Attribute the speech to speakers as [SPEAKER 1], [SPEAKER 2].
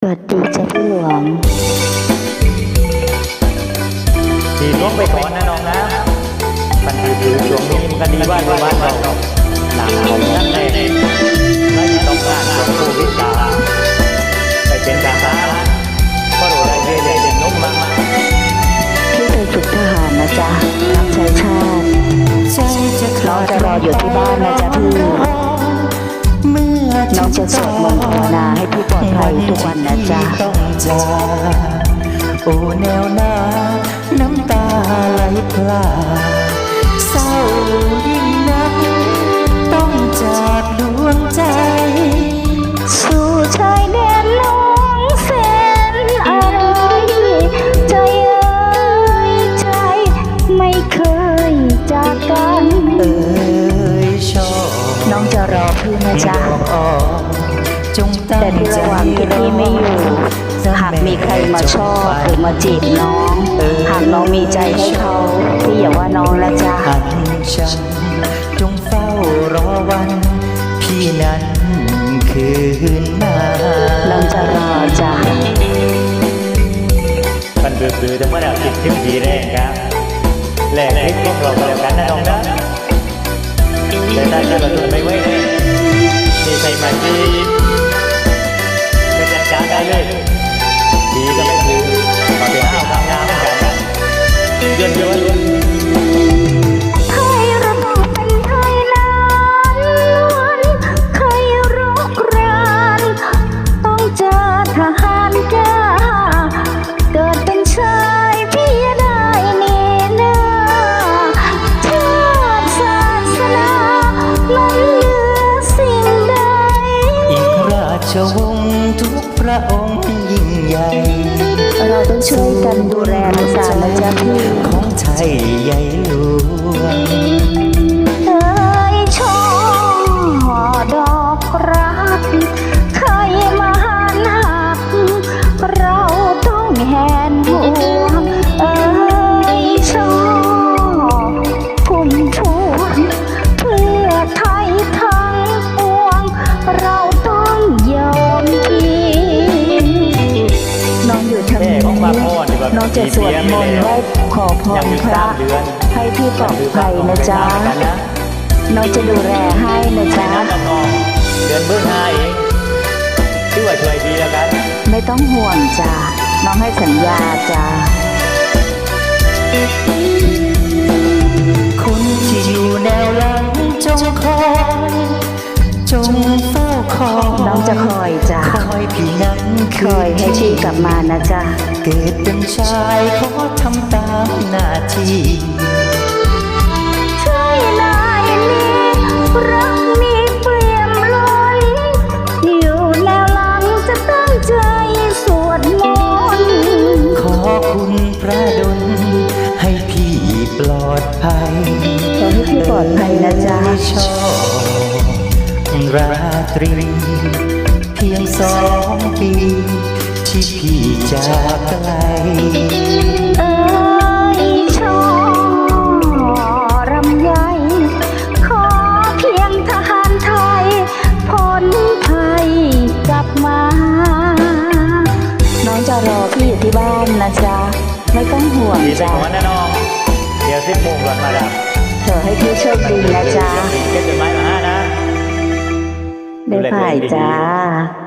[SPEAKER 1] วัสดีจ้ะพี่หลวง
[SPEAKER 2] ดีน้องไปก่อนนะน้องนะมันคือช่วงนี้มันก็ดีว่าอยู่บ้านเราหนังของนั่นเองไม่ต้องการช่วงโควิดกาไปเป็นทหารก็รู้ได้เรื่อยๆนุ่มมาก
[SPEAKER 1] พี่ไปฝึกทหารนะจ๊ะรับใช้ชาติน้องจะรออยู่ที่บ้านนะจ๊ะพี่น้องจะสวดมนต์ภาวนาให้พี่ปลอดภัยทุกวันนะจ๊ะ
[SPEAKER 3] โอ้แนวหน้าน้ำตาไหลพลาเศร้ายิ่งนักต้องจากดวงใจ
[SPEAKER 1] สู่ชายแดนน้องแสนอะไรใจเอ่ยใจไม่เคยจากกัน
[SPEAKER 3] ชอบ
[SPEAKER 1] น้องจะรอพี่นะจ๊ะแต่ที่ระหว่างที่พี่ไม่อยู่หากมีใครมาชอบหรือมาจีบน้องหากน้องมีใจให้เขาพี่อย่าว่าน้องละจ๊ะ
[SPEAKER 3] ฉันจงเฝ้ารอวันพี่นั้นคืนมา
[SPEAKER 1] น้องจะรอจ้ะ
[SPEAKER 2] มันเบื่อแต่เมื่อเราติดทิ้งผีแรงครับแหลกลิขิตพวกเราก็แล้วกันนะน้องนะแต่ถ้าจะประตูไม่ไว้เลยมีใครมาจีบไม่จัดการได้เลยผีก็ไม่ถือขอไปห้าวทำงานเหมือนกันเดือนเดียว
[SPEAKER 1] ให้ระบุเป็นไทยนานวันใครรุกรานต้องเจอทหารกล้าเกิดเป็นชายพี่ได้เนหน้าชาติศาสนาล้นเหลือสิ่งใด
[SPEAKER 3] อีกราชวงศ์ทุกพระองค์ยิ่งใหญ่
[SPEAKER 1] เราต้องช่วยกันดูแลรักษานะจ๊ะพี่
[SPEAKER 3] ของไทยใหญ่หลวง
[SPEAKER 1] ช่อดอกรักเคยมาหันหักเราต้องแหนห่วงช่อพุ่มพวงเพื่อไทยทั้งปวงเราต้องยอมน้องอยู่ทำไมน้องจะสวดมนต์ไหว้ขอพรพระให้พี่ปลอดภัยนะจ๊ะน้องจะดูแลให้นะจ๊ะ
[SPEAKER 2] เดือนเบื้องห้าเองที่ว่าช่วยดีแล้วกัน
[SPEAKER 1] ไม่ต้องห่วงจ้ะน้องให้สัญญาจ้ะ
[SPEAKER 3] คนที่อยู่แนวหลังจงคอยจงเฝ้าคอย
[SPEAKER 1] น้องจะคอยจ้ะ
[SPEAKER 3] คอยพี่นั้น
[SPEAKER 1] คอยให้พี่กลับมานะจ๊ะ
[SPEAKER 3] เกิดเป็นชายขอทำตามหน้าที่
[SPEAKER 1] ใช่นายนี้รักมีเปลี่ยมล้นอยู่แนวหลังจะตั้งใจสวดมนต์
[SPEAKER 3] ขอคุณพระดลให้พี่ปลอดภัย
[SPEAKER 1] ขอให้พี่ปลอดภัยนะจ๊ะ
[SPEAKER 3] ชอบราตรีเพียง2 ปีที่พี่จากไกล
[SPEAKER 1] ช่อรำไยขอเพียงทหารไทยพ้นภัยกลับมาน้องจะรอพี่อยู่ที่บ้านนะจ๊ะไม่ต้องห่วงจ้ะ
[SPEAKER 2] ขอนะน้องเดี๋ยว10 โมงก่อนมาแล้ว
[SPEAKER 1] เธอให้พี่โชคดีนะจ๊ะ
[SPEAKER 2] เก็บต้นไม้มาให้นะ
[SPEAKER 1] ได้ผ่ายจ้า